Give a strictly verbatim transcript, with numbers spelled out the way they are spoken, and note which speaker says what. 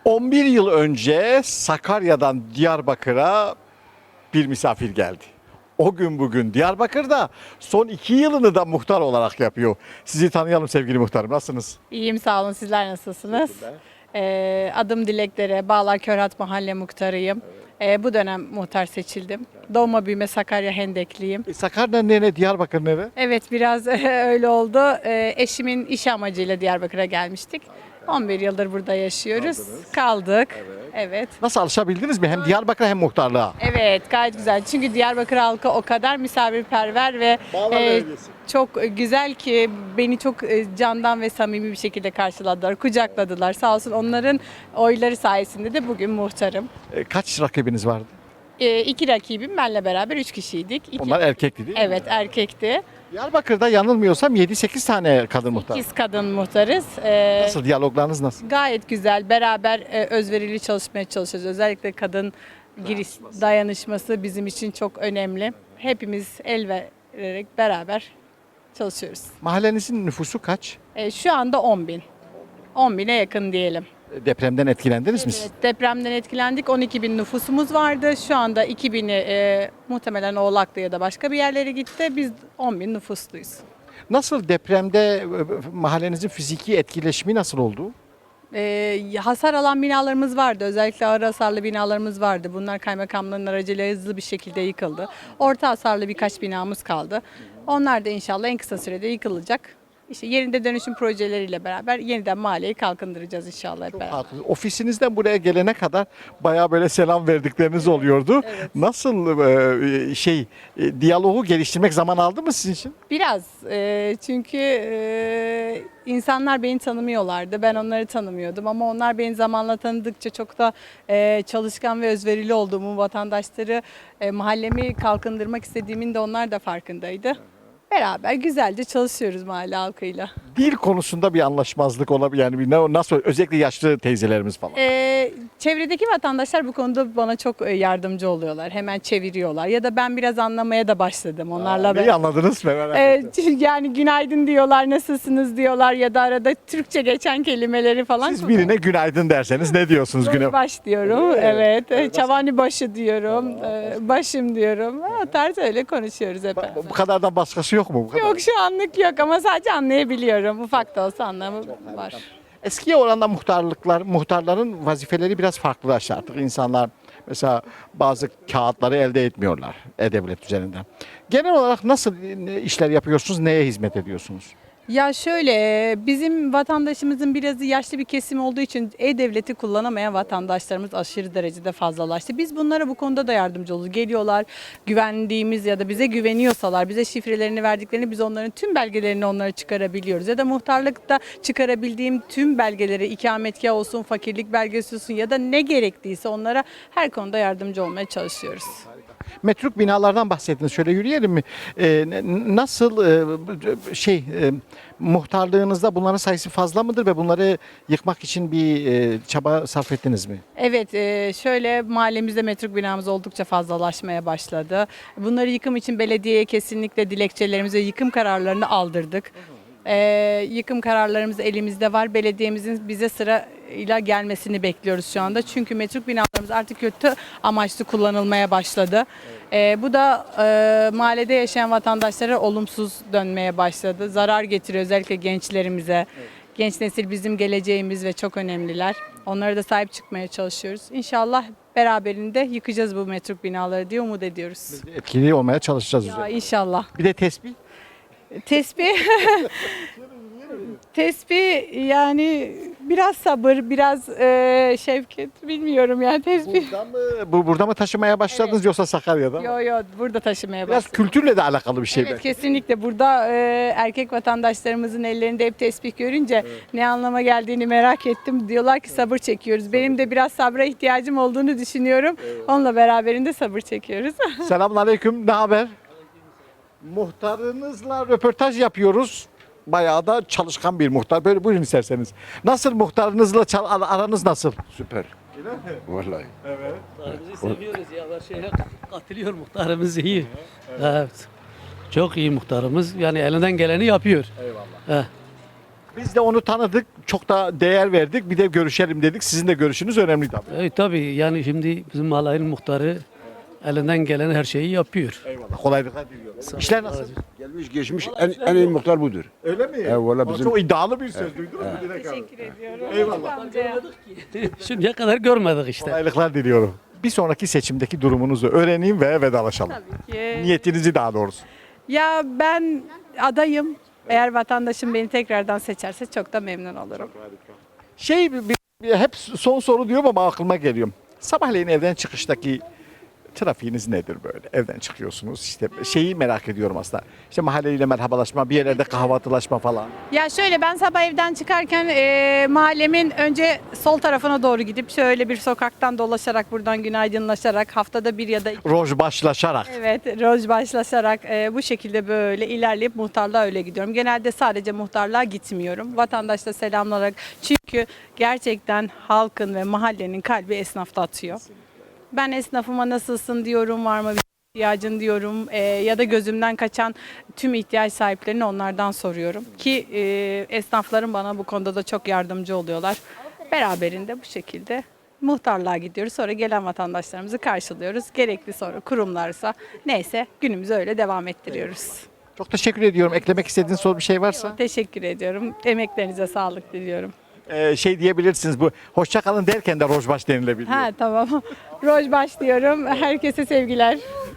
Speaker 1: on bir yıl önce Sakarya'dan Diyarbakır'a bir misafir geldi. O gün bugün Diyarbakır'da son iki yılını da muhtar olarak yapıyor. Sizi tanıyalım sevgili muhtarım. Nasılsınız?
Speaker 2: İyiyim sağ olun. Sizler nasılsınız? Ee, adım Dileklere, Bağlar Körhat Mahalle Muhtarıyım. Ee, bu dönem muhtar seçildim. Doğma büyüme Sakarya Hendekliyim.
Speaker 1: E, Sakarya nere, Diyarbakır nere?
Speaker 2: Evet biraz öyle oldu. Ee, eşimin iş amacıyla Diyarbakır'a gelmiştik. on bir yıldır burada yaşıyoruz. Kaldık. Evet.
Speaker 1: Nasıl alışabildiniz mi? Hem Diyarbakır'a hem muhtarlığa.
Speaker 2: Evet gayet güzel. Çünkü Diyarbakır halkı o kadar misafirperver ve
Speaker 1: Bağlar
Speaker 2: e,
Speaker 1: Belediyesi.
Speaker 2: çok güzel ki beni çok e, candan ve samimi bir şekilde karşıladılar, kucakladılar. Sağ olsun onların oyları sayesinde de bugün muhtarım.
Speaker 1: E, kaç rakibiniz vardı?
Speaker 2: E, iki rakibim benle beraber üç kişiydik. İki,
Speaker 1: Onlar erkekti değil mi?
Speaker 2: evet erkekti.
Speaker 1: Diyarbakır'da yanılmıyorsam yedi sekiz tane kadın muhtar.
Speaker 2: İkiz kadın muhtarız. E,
Speaker 1: Nasıl, diyaloglarınız nasıl?
Speaker 2: Gayet güzel. Beraber e, özverili çalışmaya çalışıyoruz. Özellikle kadın giriş dayanışması bizim için çok önemli. Hepimiz el vererek beraber çalışıyoruz.
Speaker 1: Mahallenizin nüfusu kaç?
Speaker 2: E, şu anda on bin. on bine yakın diyelim.
Speaker 1: E, Depremden etkilendiniz mi siz?
Speaker 2: Evet, depremden etkilendik. on iki bin nüfusumuz vardı. Şu anda iki bini e, muhtemelen Oğlaklı ya da başka bir yerlere gitti. Biz on bin nüfusluyuz.
Speaker 1: Nasıl depremde e, mahallenizin fiziki etkileşimi nasıl oldu?
Speaker 2: E, hasar alan binalarımız vardı. Özellikle ağır hasarlı binalarımız vardı. Bunlar kaymakamlığın aracılığıyla hızlı bir şekilde yıkıldı. Orta hasarlı birkaç binamız kaldı. Onlar da inşallah en kısa sürede yıkılacak. İşte yerinde dönüşüm projeleriyle beraber yeniden mahalleyi kalkındıracağız inşallah hep beraber.
Speaker 1: Haklı. Ofisinizden buraya gelene kadar bayağı böyle selam verdikleriniz oluyordu. Nasıl e, şey e, diyaloğu geliştirmek zaman aldı mı sizin için?
Speaker 2: Biraz e, çünkü e, insanlar beni tanımıyorlardı. Ben onları tanımıyordum ama onlar beni zamanla tanıdıkça çok da e, çalışkan ve özverili olduğumu, vatandaşları e, mahallemi kalkındırmak istediğimin de onlar da farkındaydı. Beraber güzelce çalışıyoruz mahalle halkıyla.
Speaker 1: Dil konusunda bir anlaşmazlık olabilir yani bir ne- nasıl özellikle yaşlı teyzelerimiz falan.
Speaker 2: Ee, çevredeki vatandaşlar bu konuda bana çok e, yardımcı oluyorlar. Hemen çeviriyorlar. Ya da ben biraz anlamaya da başladım onlarla.
Speaker 1: Neyi
Speaker 2: ben.
Speaker 1: anladınız mı? Merak
Speaker 2: Ee,
Speaker 1: ettim.
Speaker 2: yani günaydın diyorlar, nasılsınız diyorlar ya da arada Türkçe geçen kelimeleri falan.
Speaker 1: Siz birine günaydın derseniz ne diyorsunuz güne?
Speaker 2: baş diyorum.
Speaker 1: Öyle mi?
Speaker 2: Evet. Çavani başı diyorum. Ee, başım diyorum. O tarz öyle konuşuyoruz hep. beraber.
Speaker 1: Bu kadardan başkası yok mu? Bu kadar.
Speaker 2: Yok şu anlık yok ama sadece anlayabiliyorum. Ufak da olsa anlamı var.
Speaker 1: Eskiye oranla muhtarlıklar, muhtarların vazifeleri biraz farklılaştı artık. İnsanlar mesela bazı kağıtları elde etmiyorlar E-Devlet üzerinden. Genel olarak nasıl e, işler yapıyorsunuz, neye hizmet ediyorsunuz?
Speaker 2: Ya şöyle, bizim vatandaşımızın birazı yaşlı bir kesim olduğu için E-Devlet'i kullanamayan vatandaşlarımız aşırı derecede fazlalaştı. Biz bunlara bu konuda da yardımcı oluruz. Geliyorlar, güvendiğimiz ya da bize güveniyorsalar, bize şifrelerini verdiklerini biz onların tüm belgelerini onlara çıkarabiliyoruz. Ya da muhtarlıkta çıkarabildiğim tüm belgeleri, ikametgah olsun, fakirlik belgesi olsun ya da ne gerekliyse onlara her konuda yardımcı olmaya çalışıyoruz.
Speaker 1: Metruk binalardan bahsettiniz. Şöyle yürüyelim mi? Ee, n- nasıl e, şey e, muhtarlığınızda bunların sayısı fazla mıdır ve bunları yıkmak için bir e, çaba sarf ettiniz mi?
Speaker 2: Evet, e, şöyle mahallemizde metruk binamız oldukça fazlalaşmaya başladı. Bunları yıkım için belediyeye kesinlikle dilekçelerimize yıkım kararlarını aldırdık. E, yıkım kararlarımız elimizde var. Belediyemizin bize sırayla gelmesini bekliyoruz şu anda. Çünkü metruk binalarımız artık kötü amaçlı kullanılmaya başladı. E, bu da e, mahallede yaşayan vatandaşlara olumsuz dönmeye başladı. Zarar getiriyor özellikle gençlerimize. Genç nesil bizim geleceğimiz ve çok önemliler. Onlara da sahip çıkmaya çalışıyoruz. İnşallah beraberinde yıkacağız bu metruk binaları diye umut ediyoruz.
Speaker 1: Etkili olmaya çalışacağız
Speaker 2: Ya
Speaker 1: üzerine.
Speaker 2: inşallah.
Speaker 1: Bir de tesbih.
Speaker 2: Tesbih tesbih yani biraz sabır, biraz e, şefkat bilmiyorum yani tesbih.
Speaker 1: Burada mı, bu, burada mı taşımaya başladınız
Speaker 2: Evet.
Speaker 1: yoksa Sakarya'da mı?
Speaker 2: Yo yo burada taşımaya
Speaker 1: Biraz
Speaker 2: başladım.
Speaker 1: kültürle de alakalı bir şey
Speaker 2: Evet
Speaker 1: belki.
Speaker 2: kesinlikle burada e, erkek vatandaşlarımızın ellerinde hep tesbih görünce ne anlama geldiğini merak ettim. Diyorlar ki sabır çekiyoruz. Benim de biraz sabra ihtiyacım olduğunu düşünüyorum. Onunla beraberinde sabır çekiyoruz.
Speaker 1: Selamünaleyküm. Ne haber? Muhtarınızla röportaj yapıyoruz. Bayağı da çalışkan bir muhtar. Böyle buyurun isterseniz. Nasıl muhtarınızla çal- ar- aranız nasıl?
Speaker 3: Süper. Vallahi.
Speaker 4: Muhtarımızı seviyoruz ya. Her şeye katılıyor muhtarımız iyi. Evet. Çok iyi muhtarımız. Yani elinden geleni yapıyor.
Speaker 1: Eyvallah.
Speaker 4: Heh.
Speaker 1: Biz de onu tanıdık, çok da değer verdik. Bir de görüşelim dedik. Sizin de görüşünüz önemli tabii.
Speaker 4: E, tabii yani şimdi bizim mahallenin muhtarı elinden gelen her şeyi yapıyor.
Speaker 1: Eyvallah. Kolaylıklar diliyorum. İşler nasıl?
Speaker 3: Gelmiş geçmiş en, en iyi muhtar budur.
Speaker 1: Öyle mi?
Speaker 3: Eyvallah,
Speaker 1: Aa,
Speaker 3: bizim-
Speaker 1: Çok iddialı bir söz duydunuz mu Dilek Hanım?
Speaker 2: Teşekkür ediyorum.
Speaker 1: Eyvallah.
Speaker 4: Şimdiye kadar görmedik işte.
Speaker 1: Kolaylıklar diliyorum. Bir sonraki seçimdeki durumunuzu öğreneyim ve vedalaşalım.
Speaker 2: Tabii ki.
Speaker 1: Niyetinizi daha doğrusu.
Speaker 2: Ya ben adayım. Eğer vatandaşım beni tekrardan seçerse çok da memnun olurum.
Speaker 1: Şey bir, bir- hep son soru diyorum ama aklıma geliyor. Sabahleyin evden çıkıştaki trafiğiniz nedir böyle? Evden çıkıyorsunuz işte şeyi merak ediyorum aslında. İşte mahalleyle merhabalaşma, bir yerlerde kahvaltılaşma falan.
Speaker 2: Ya şöyle ben sabah evden çıkarken e, mahallemin önce sol tarafına doğru gidip şöyle bir sokaktan dolaşarak buradan günaydınlaşarak haftada bir ya da iki
Speaker 1: Roj başlaşarak.
Speaker 2: evet roj başlaşarak e, bu şekilde böyle ilerleyip muhtarlığa öyle gidiyorum. Genelde sadece muhtarlığa gitmiyorum. Vatandaşla selamlarak çünkü gerçekten halkın ve mahallenin kalbi esnafta atıyor. Ben esnafıma nasılsın diyorum, var mı bir ihtiyacın diyorum e, ya da gözümden kaçan tüm ihtiyaç sahiplerini onlardan soruyorum. Ki e, esnafların bana bu konuda da çok yardımcı oluyorlar. Beraberinde bu şekilde muhtarlığa gidiyoruz. Sonra gelen vatandaşlarımızı karşılıyoruz. Gerekli sonra kurumlarsa neyse günümüzü öyle devam ettiriyoruz.
Speaker 1: Çok teşekkür ediyorum. Eklemek istediğiniz soru bir şey varsa.
Speaker 2: Teşekkür ediyorum. Emeklerinize sağlık diliyorum.
Speaker 1: Ee, şey diyebilirsiniz bu hoşça kalın derken de roj baş denilebiliyor.
Speaker 2: Ha tamam. Roj başlıyorum. Herkese sevgiler.